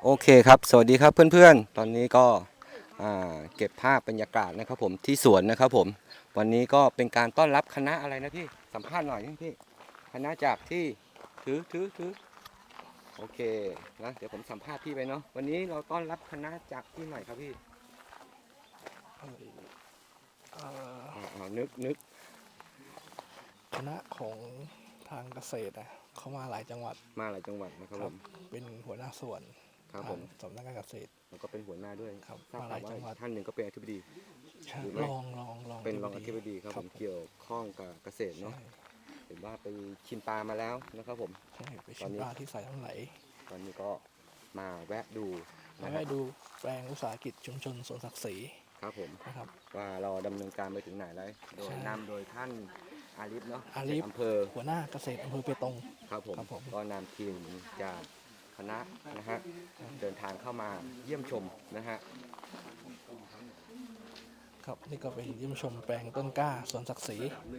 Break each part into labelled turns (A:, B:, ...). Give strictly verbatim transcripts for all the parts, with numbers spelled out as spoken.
A: โอเคครับสวัสดีครับเพื่อนๆตอนนี้ก็เก็บภาพบรรยากาศนะครับผมที่สวนนะครับผมวันนี้ก็เป็นการต้อนรับคณะอะไรนะพี่สัมภาษณ์หน่อยพี่คณะจากที่ถือถือถือโอเคนะเดี๋ยวผมสัมภาษณ์พี่ไปเนาะวันนี้เราต้อนรับคณะจากที่ไหนครับพี่อ่านึกนึก
B: คณะของทางเกษตรนะเขามาหลายจังหวัด
A: มาหลายจังหวัดนะครับผม
B: เป็นหัวหน้าส่วน
A: ครับผม
B: สำนักงานเกษตร
A: แล้วก็เป็นหัวหน้าด้วย
B: ครับ
A: ทราบ
B: มาหลายจังหวัด
A: ท่านหนึ่งก็เป็นอธิบดี
B: ลองลองลอง
A: เป็นรองอธิบดีครับผมเกี่ยวข้องกับเกษตรเนาะเห็นว่าไปชิมปลามาแล้วนะครับผม
B: ใช่ไปชิมปลาที่สายน้ำไหล
A: ตอนนี้ก็มาแวะดู
B: มาแวะดูแปลงอุตสาหกิจชุมชนสวนศักดิ์ศรี
A: ครับผม
B: นะครับ
A: ว่าเราดำเนินการไปถึงไหนแล้วโดยนำโดยท่านอาลิฟเนาะ
B: อาลิฟ
A: อำเภอ
B: หัวหน้าเกษตรอำเภอเปตง
A: ครับผมก็นำทีมจากคณะนะฮะเดินทางเข้ามาเยี่ยมชมนะฮะ
B: ครับนี่ก็เป็นเยี่ยมชมแปลงต้นกล้าสวนศักดิ์ศรี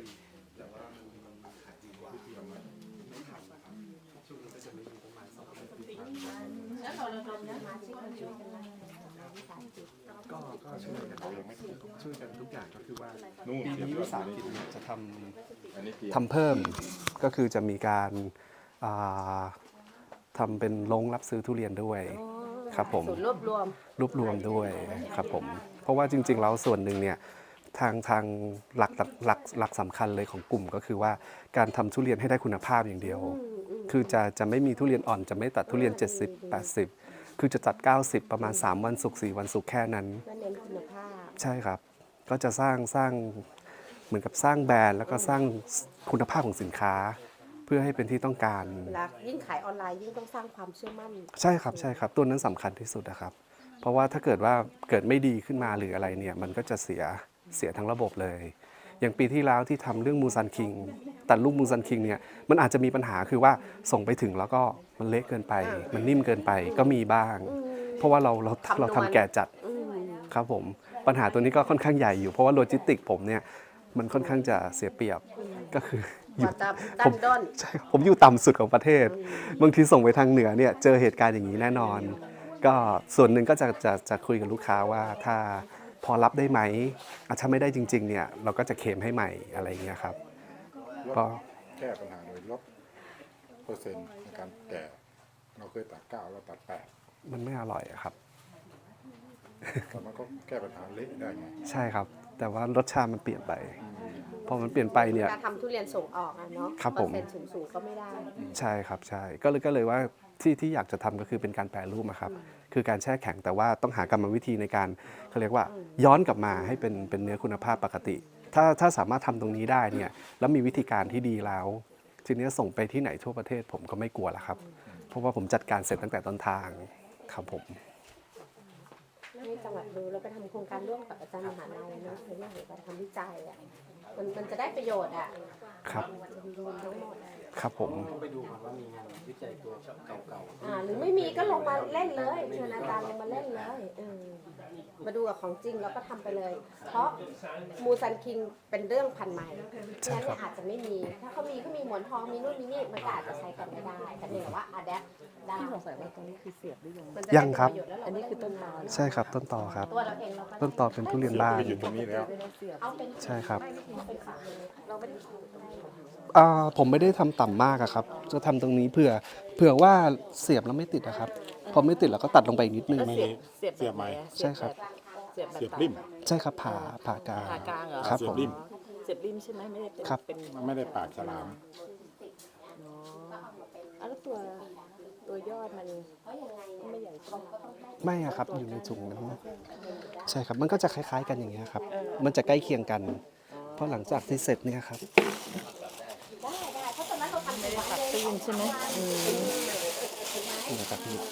C: ก็ก็ช่วยกันยังไม่ช่วยกันทุกอย่างก็คือว่าปีนี้วิสาหกิจจะทำทำเพิ่มก็คือจะมีการทำเป็นโรงรับซื้อทุเรียนด้วยครับผม
D: รวบรวม
C: รวบรวมด้วยครับผมเพราะว่าจริงๆแล้วส่วนหนึ่งเนี่ยทางทางหลักหลักหลักสำคัญเลยของกลุ่มก็คือว่าการทำทุเรียนให้ได้คุณภาพอย่างเดียวคือจะจะไม่มีทุเรียนอ่อนจะไม่ตัดทุเรียนเจ็ดสิบ แปดสิบคือจะตัดเก้าสิบประมาณสามวันศุกร์สี่วันศุกร์แค่นั้น
D: เน้นคุณภาพ
C: ใช่ครับก็จะสร้างสร้างเหมือนกับสร้างแบรนด์แล้วก็สร้างคุณภาพของสินค้าเพื่อให้เป็นที่ต้องการ
D: และยิ่งขายออนไลน์ยิ่งต้องสร้างความเชื่อมั่น
C: ใช่ครับใช่ครับตัวนั้นสำคัญที่สุดนะครับเพราะว่าถ้าเกิดว่าเกิดไม่ดีขึ้นมาหรืออะไรเนี่ยมันก็จะเสียเสียทั้งระบบเลยอย่างปีที่แล้วที่ทำเรื่องมูซันคิงตัดลูกมูซันคิงเนี่ยมันอาจจะมีปัญหาคือว่าส่งไปถึงแล้วก็มันเละเกินไปมันนิ่มเกินไปก็มีบ้างเพราะว่าเราเราเราทำแก่จัดครับผมปัญหาตัวนี้ก็ค่อนข้างใหญ่อยู่เพราะว่าโลจิสติกผมเนี่ยมันค่อนข้างจะเสียเปรียบก็คือ
D: อยู่ผม
C: ใช่ผมอยู่ต่ำสุดของประเทศบางทีส่งไปทางเหนือเนี่ยเจอเหตุการณ์อย่างนี้แน่นอนก็ส่วนหนึ่งก็จะจะจะคุยกับลูกค้าว่าถ้าพอรับได้ไหมถ้าไม่ได้จริงๆเนี่ยเราก็จะเคลมให้ใหม่อะไรอย่างเงี้ยครับ
E: ก็แก้ปัญหาโดยลดเปอร์เซ็นต์ในการแก่เราเคยตัดเก้าเราตัดแปด
C: มันไม่อร่อยครับ
E: แต่มันก็แก้ปัญหาเละได้ไง
C: ใช่ครับแต่ว่ารสชาติมันเปลี่ยนไปพอมันเปลี่ยนไปเนี่ย
D: การทำทุเรียนส่งออกอะเนาะ
C: ครับผม
D: เปอร์เซ็นต์สูงๆก็ไม่ได้
C: ใช่ครับใช่ก็เลยก็เลยว่าที่ที่อยากจะทำก็คือเป็นการแปรรูปครับคือการแช่แข็งแต่ว่าต้องหากรรมวิธีในการเขาเรียกว่าย้อนกลับมาให้เป็นเป็นเนื้อคุณภาพปกติถ้าถ้าสามารถทำตรงนี้ได้เนี่ยแล้วมีวิธีการที่ดีแล้วทีนี้ส่งไปที่ไหนทั่วประเทศผมก็ไม่กลัวแล้วครับเพราะว่าผมจัดการเสร็จตั้งแต่ต้นทางครับผม
D: ให้จังหวัดดูแล้วไปทำโครงการร่วมกับอาจารย์มหาลัยเนาะในเรื่องของการทำวิจัยอ่ะมันมันจะได้ประโยชน์อ่ะ
C: ครับ
D: ทั้งหมด
C: ครับผม
B: ไปดูก่อนว่ามีงานวิจัยตัวเก่า
D: ๆอ่าหรือไม่มีก็ลงมาเล่นเลยเชิญอาจารย์ลงมาเล่นเลยเออมาดูกับของจริงแล้วก็ทำไปเลยเพราะมูซันคิงเป็นเรื่องพันใหม่งั้นเนี่ยอาจจะไม่มีถ้าเขามีก็มีหมอนทองมีนู่นมีนี่มันก็อาจจะใช้กันไม่ได้แต่เนี่ยว่าอะแดปได้
F: ที่สงสัยว่าตรงนี้คือเสียบหรือยัง
C: ยังครับ
F: อันนี้คือต้นตอ
C: ใช่ครับต้นตอครับ
D: ตัวเราเองเรา
C: ต้นตอเป็นทุเรียนบ้าน
E: อยู่ตรงนี้แล้ว
C: ใช่ครับผมไม่ได้ทำต่ำมากครับจะทำตรงนี้เผื่อเผื่อว่าเสียบแล้วไม่ติดนะครับพอไม่ติดเราก็ตัดลงไปอีกนิดนึง
F: เสียบเสียบ
E: เสียบไหม
C: ใช่ครับ
F: เสียบ
E: เสียบริม
C: ใช่ครับผ่าผ่ากลาง
F: ผ่ากลางเหรอ
C: ครับผม
F: เสียบริมใช่ไหมไม่ได้เป็น
C: ครับ
E: มันไม่ได้ปากฉลาม
F: อ๋อแล้วตัวตัวยอดมันไม่ใหญ่ขึ้น
C: ไม่อะครับอยู่ในถุงนั้นใช่ครับมันก็จะคล้ายๆกันอย่างเงี้ยครับมันจะใกล้เคียงกันเพราะหลังจากที่เสร็จเนี่ยครับ
F: ไม่ได้ตัดตื้นใช่ไหม
C: นี่นะครับพี่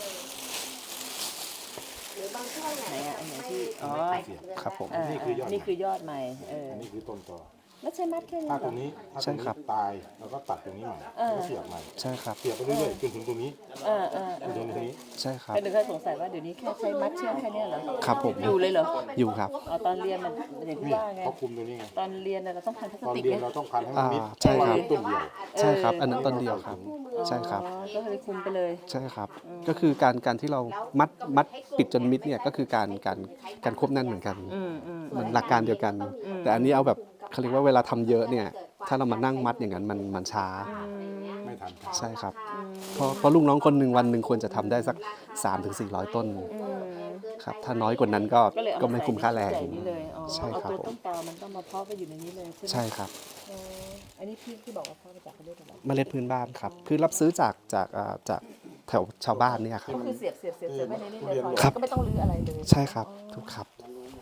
F: ไหนอ่ะอันไหนที่อ๋อ
C: ครับผม
E: นี่คือยอด
F: นี่คือยอดใหม่เออ
E: อันนี้คือต้นตอ
F: แล้วใช้มัดแค่นี้
E: ถ้าตรงนี้ถ้าตรงนี้ตายเราก็ตัดตรงนี้ใหม่แล้วเสียบใหม่
C: ใช่ครับ
E: เสียบไปเรื่อยๆจนถึงตรงนี้
F: เออเออ
E: จนถึงตรงนี้
C: ใช่ครับ
F: ก็นึกว่าสงสัยว่าเดี๋ยวนี้แค่ใช้มัดเชือกแค่เนี้ยเหรอ
C: ครับผม
F: อยู่เลยเหรอ
C: อยู่ครับ
F: อ๋อตอนเรียนมันอย่างที่ว่าไง
E: เขาคุมตัวนี้ไง
F: ตอนเรียนน่ะเราต้องพันพลาส
E: ตอน
F: ติก
E: เรียน
F: ไง
E: เราต้องพันให้มันมิด
C: อ่าใช่ครับ
E: ต้นเดียว
C: ใช่ครับ อันนั้นต้นเดียวครับ ใช่ครับ
F: อ๋อก็เลยคุมไปเลย
C: ใช่ครับ ก็คือการการที่เรามัดมัดปิดจนมิดเนี่ยก็คือการการการควบแน่นเหมือนกัน
F: อืมอืม
C: เหมือนหลักการเดียวกัน แต่อันนี้เอาแบบเขาเรียกว่าเวลาทำเยอะเนี่ยถ้าเรามานั่งมัดอย่างนั้นมันมันช้า
E: ไม่ทัน
C: ใช่ครับ เพราะเพราะลูกน้องคนหนึ่งวันหนึ่งควรจะทำได้สัก สามถึงสี่ร้อย ต้นครับถ้าน้อยกว่านั้นก็
F: ก็เลยเอา
C: ก็ไม่คุ้มค่าแรง
F: ใส่นี่เลยอ๋อ
C: ใช่ครับ
F: เอาตัว
C: ผม
F: ต้นตอมันต้องมาเพาะไปอยู่ในนี้เลยใช่ไหม
C: ใช่ครับ
F: อ๋ออันนี้พี่ที่บอกว่าเพาะมาจากประเทศอะไร
C: เมล็ดพื้นบ้านครับคือรับซื้อจากจากอ่าจากแถวชาวบ้านเนี่ยครับ
F: ก็คือเสียบเสียบเสียบเสียบไว้ในนี้เลยพอ
C: ครับ
F: ก็ไม่ต้องรื้ออะไรเลย
C: ใช่ครับถูกครับ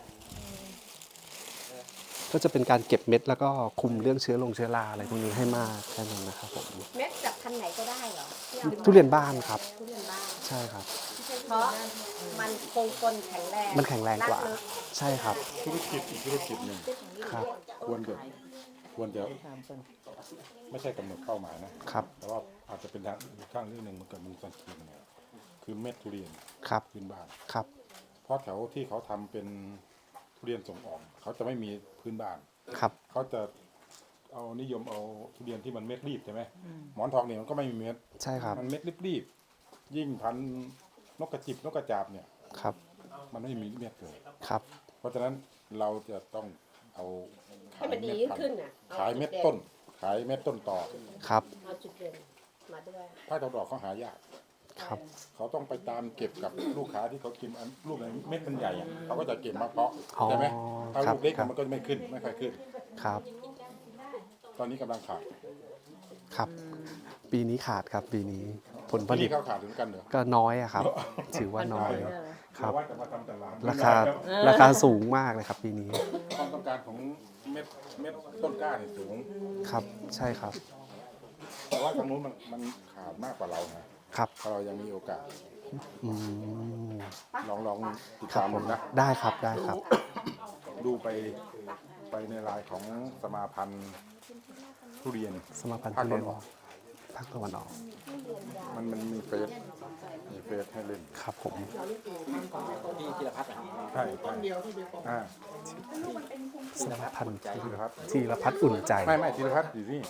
C: ก็จะเป็นการเก็บเม็ดแล้วก็คุมเรื่องเชื้อลงเชื้อราอะไรพวกนี้ให้มากแค่นั้นนะครับผม
D: เม็ดจากพันธุ์ไหนก็ได้เหรอที่เอา
C: ทุเรียนบ้านครับ
D: ทุเรียนบ้าน
C: ใช่ครับ
D: เพราะมันคงทนแข็งแรง
C: มันแข็งแรงกว่า
D: ลึ
C: ใช่ครับ
E: ธุรกิจอีกธุรกิจหนึ่ง
C: ครับ
E: ควรจะควรจะไม่ใช่กำหนดเป้าหมายนะครับ แต่ว่าอาจจะเป็นทางอีกทางเรื่องหนึ่งมันเกิดมูลสันคีเนี่ยคือเม็ดทุเรียน
C: ครับ
E: พื้นบ้าน
C: ครับ
E: เพราะแถวที่เขาทำเป็นทุเรียนส่งออกเขาจะไม่มีพื้นบ้าน
C: ครับ
E: เขาจะเอานิยมเอาทุเรียนที่มันเม็ดรีบใช่ไหมหมอนทองเนี่ยมันก็ไม่มีเม็ด
C: ใช่ครับ
E: มันเม็ดรีบๆยิ่งพันธุ์นกกระจิบนกกระจาบเนี่ย
C: ครับ
E: มันไม่มีเม็ดเลย
C: ครับ
E: เพราะฉะนั้นเราจะต้องเอา
D: ให้มันดี
E: เดพั
D: ขึ้น
E: ธุ์
D: น่ะ
E: ขายเม็ดต้น ขายเม็ดต้นต่อ
C: ครับ
D: เอาจุดเด่นมาด้วย
E: ผ้าดอกดอกเขาหายาก
C: ครับ
E: เขาต้องไปตามเก็บกับลูกค้าที่เขากินอันลูกไหนเม็ดมันใหญ่อะเขาก็จะเก็บมาเพาะ
C: อ๋อ
E: ใช่ไหมถ้า
C: ครับ
E: ลูกเล็ก
C: ครับ
E: มันก็ไม่ขึ้นไม่ค่อยขึ้น
C: ครับ
E: ตอนนี้กำลังขาด
C: ครับ ปีนี้ขาดครับปีนี้ผลผ
E: ที่
C: ลิต
E: นี่เขาขาดเหมือนกันเหรอ
C: ก็น้อยอะครับ ถือว่าน้อย ครับ
E: ว่าจะมาทำตลาด
C: ราคาราคาสูงมากเลยครับปีนี้
E: ความต้องการของเม็ดเม็ดต้นกล้าเนี่ยสูง
C: ครับ ใช่ครับ
E: แต่ว่าทางนู้นมันมันขาดมากกว่าเรานะครับ ถ้าเรายังมีโอกาส
C: อืม
E: ลองลองติด
C: ครับ
E: ตาม
C: ผ
E: ผม มนะ
C: ได้ครับได้ครับ
E: ดูไปไปในรายของสมาพันธ์ทุเรียน
C: สมาพันธ์
E: ภาค
C: ทุ
E: ตะ
C: เรี
E: วั
C: ยน
E: นออก
C: ภาคตะวันออก
E: มันมันมีเฟสมีเฟสให้เล่น
C: ครับผม
E: ใช่ต้นเดียวที่ดีอ่า
C: สมาพันธ์
E: ธีรพัฒน์
C: ธีรพัฒน์อุ่นใจ
E: ไม่ไม่ธีรพัฒน์อยู่นี่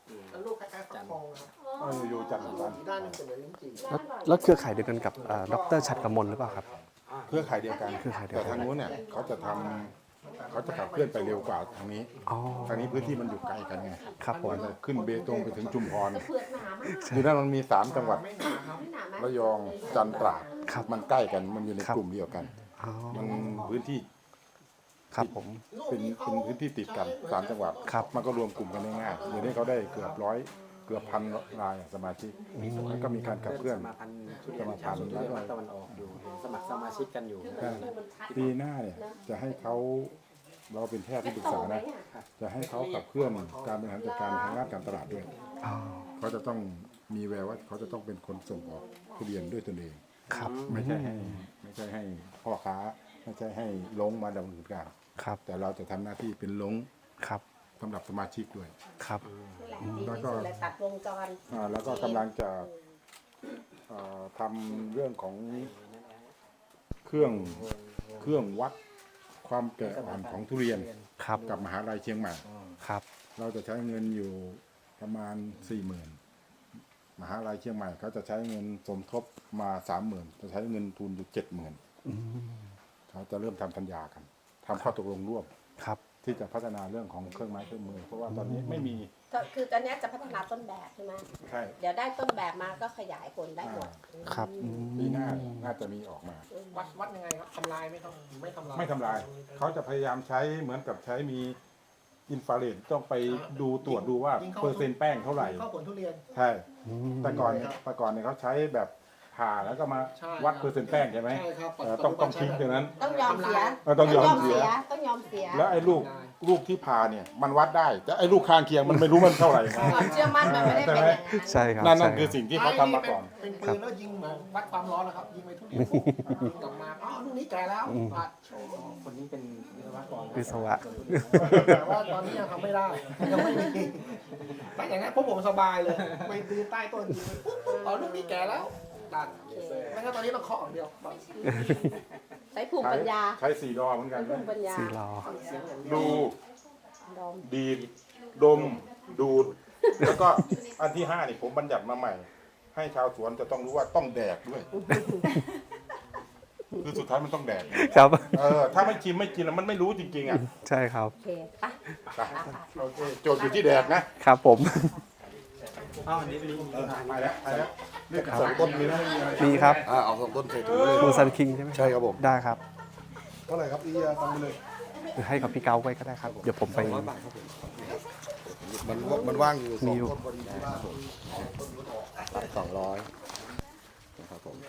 E: เอออยู่จันทร์วัน
C: แล้วแล้วเครือข่ายเดียวกันกับเอ่อดรชัดกมลหรือเปล่าครับ
E: เครือข่ายเดียวกัน
C: เครือข่ายเดียว
E: แต่
C: กัน
E: ทางนู้นเนี่ยเขาจะทำเขาจะขับเคลื่อนไปเร็วกว่าทางนี้
C: อ๋อ
E: ทางนี้พื้นที่มันอยู่ไกลกันไง
C: ครับผม
E: มันจะขึ้นเบตงไปถึงชุมพร
D: เปลือกหนามาก
E: อยู่นั่นมันมีสามจังหวัด
D: ไม่หนาไหม
E: ระยองจันทร์ตราด
C: ครับ
E: มันใกล้กันมันอยู่ใน
C: ครับ
E: กลุ่มเดียวกัน
C: อ๋อ
E: มันพื้นที่
C: ครับผม
E: เป็นเป็นพื้นที่ติดกันสามจังหวัด
C: ครับ
E: มันก็รวมกลุ่มกันได้ง่ายเดี๋ยวนี้เขาได้เกือบร้อยเกือบพันรายสมาชิกแล้วก็มีการขับเคลื่อน
G: สมาพันธ์ทุเรียนชาวสวนทุเรียนภาคตะวันออกอยู่เห็นสมัครสมาชิกกันอยู่
E: ใช่ปีหน้าเนี่ยจะให้เขาเราเป็นแพทย์ที่ปรึกษานะจะให้เขาขับเคลื่อนการบริหารจัดการทางด้านการตลาดด้วย
C: อ๋อ
E: เขาจะต้องมีแววว่าเขาจะต้องเป็นคนส่งออกทุเรียนด้วยตนเอง
C: ครับ
E: ไม่ใช่ให้ไม่ใช่ให้พ่อค้าไม่ใช่ให้ลงมาดำเนินการ
C: ครับ
E: แต่เราจะทำหน้าที่เป็นลง
C: ครับ
E: สำหรับสมาชิกด้วย
C: ครับ
D: ดี
E: แล้ว
D: ที่
E: ก็
D: สุดเลยตัดวงจร
E: อ่าแล้วก็กำลังจะเอ่อทำเรื่องของเครื่องเครื่องวัดความแก่อ่อนของทุเรียน
C: ครับ
E: กับมหาลัยเชียงใหม่
C: ครับ
E: เราจะใช้เงินอยู่ประมาณสี่หมื่นมหาลัยเชียงใหม่เขาจะใช้เงินสมทบมาสามหมื่นจะใช้เงินทุนอยู่เจ็ดหมื่นเขาจะเริ่มทำสัญญากันทำข้อตกลงร่วม
C: ครับ
E: ที่จะพัฒนาเรื่องของเครื่องไม้เครื่องมือ เพราะว่าตอนนี้ไม่มี
D: ก็คือตอนเนี้ยจะพัฒนาต้นแบบใช่ไหม
E: ใช่
D: เดี๋ยวได้ต้นแบบมาก็ขยายผลได้หมด
C: ครับอืม
E: ปีหน้าน่าจะมีออกมา
B: วัดวัดยังไงครับทำลายไหมครับไม่ทำลาย
E: ไม่ทำลาย เขาจะพยายามใช้เหมือนกับใช้มีอินฟราเรดต้องไปดูตรวจดูว่าเปอร์เซ็นต์แป้งเท่าไหร่
B: เข้าผลทุเรียน
E: ใช่ แต่ก่อนเนี่ยแต่ก่อนเนี่ยเขาใช้แบบผ่าแล้วก็มา
B: ใช่
E: วัดเปอร์เซ็นต์แป้งใช่ไหม
B: ใช่ครับ
E: เออต้องต้องทิ้งตรงนั้น
D: ต้องยอมเสีย
E: เออต้องยอมเสีย
D: ต้องยอมเสีย
E: แล้วไอ้ลูกลูกที่ผ่าเนี่ยมันวัดได้ แต่ไอ้ลูกข้างเคียงมันไม่รู้มันเท่าไหร่
D: ความเชื่อมั่นมันไม่ได้เป็นอย่างนั้น
C: ใช่ครับ
E: นั่นนั่น
C: ใช่
E: คือสิ่งที่เขาทำมาก่อน
B: เป็นปืนแล้วยิงเหมือนวัดความร้อนนะครับ ยิงไปทุเรียนยิงกลับมาอ๋อลูกนี้แก่แล้วปัดโชว์
G: คนนี้เป็นวิศวกร
C: วิศวะ
B: แต่ว่าตอนนี้ยังทำไม่ได้ยังไม่มีแต่อย่างนั้นพวกผมสบายเลยไปดูใต้ต้นยิงไปปุ๊บปุ๊บอ๋อลูกนี้แก่แล้วตัดไม่งั้นตอนนี้ต้องเคาะอย่างเดียว
D: ใช้ภูมิปัญญา
E: ใช้สี่ดอเหมือนกัน
D: ใช้ภูมิปัญญา
C: สี่ล้อ
E: ดู
D: ดอม
E: ดีด ดม ดูด แล้วก็อันที่ห้านี่ผมบัญญัติมาใหม่ ให้ชาวสวนจะต้องรู้ว่าต้องแดกด้วย คือสุดท้ายมันต้องแดก
C: ครับ
E: เออ ถ้าไม่ชิมไม่กินแล้วมันไม่รู้จริงๆอ่ะ
C: ใช่ครับ
D: โอเคไป
E: ไปโอเคโจทย์อยู่ที่แดกนะครับ
C: ผม
G: อ้าวอันนี้มี
E: เออไปแล้วไปแล้วเรื่องสองต้นนี้นะ
C: มีครับ
E: อ่าเอาสองต้นเสร็จเลย
C: มูซันคิงใช่ไหม
E: ใช่ครับผม
C: ได้ครับ
E: เท่าไหร่ครับอียาทำไปเลย
C: หรือให้กับพี่เกาไว้ก็ได้ครับ เดี๋ยวผมไป
A: ร้อยบาทครับผม
E: มันมันว่างอยู่ส
C: มี
E: อง
C: อยู่
E: ต้นพอดีที่บ้านผม
A: รับสองร้อยนะครับผม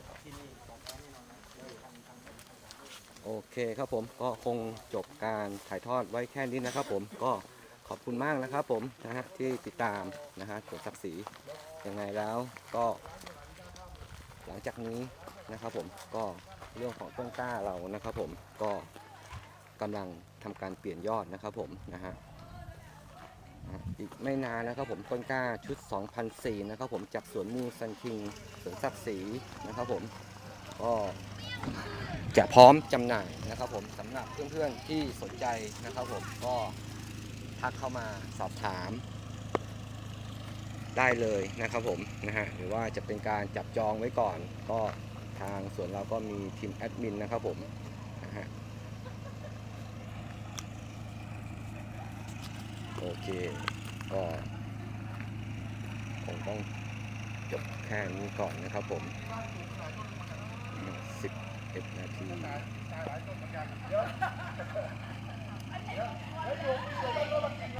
A: โอเคครับผมก็คงจบการถ่ายทอดไว้แค่นี้นะครับผมก็ขอบคุณมากนะครับผมนะฮะที่ติดตามนะฮะสวนศักดิ์ศรียังไงแล้วก็หลังจากนี้นะครับผมก็เรื่องของต้นกล้าเรานะครับผมก็กำลังทำการเปลี่ยนยอดนะครับผมนะฮะนะอีกไม่นานนะครับผมต้นกล้าชุด สองพันสี่ร้อย นะครับผมจากสวนมูซันคิงสวนศักดิ์ศรีนะครับผมก็จะพร้อมจำหน่ายนะครับผมสำหรับเพื่อนๆที่สนใจนะครับผมก็ทักเข้ามาสอบถามได้เลยนะครับผมนะฮะหรือว่าจะเป็นการจับจองไว้ก่อนก็ทางสวนเราก็มีทีมแอดมินนะครับผมนะฮะโอเคก็คงต้องจบแค่นี้ก่อนนะครับผมสิบเอ็ดนาที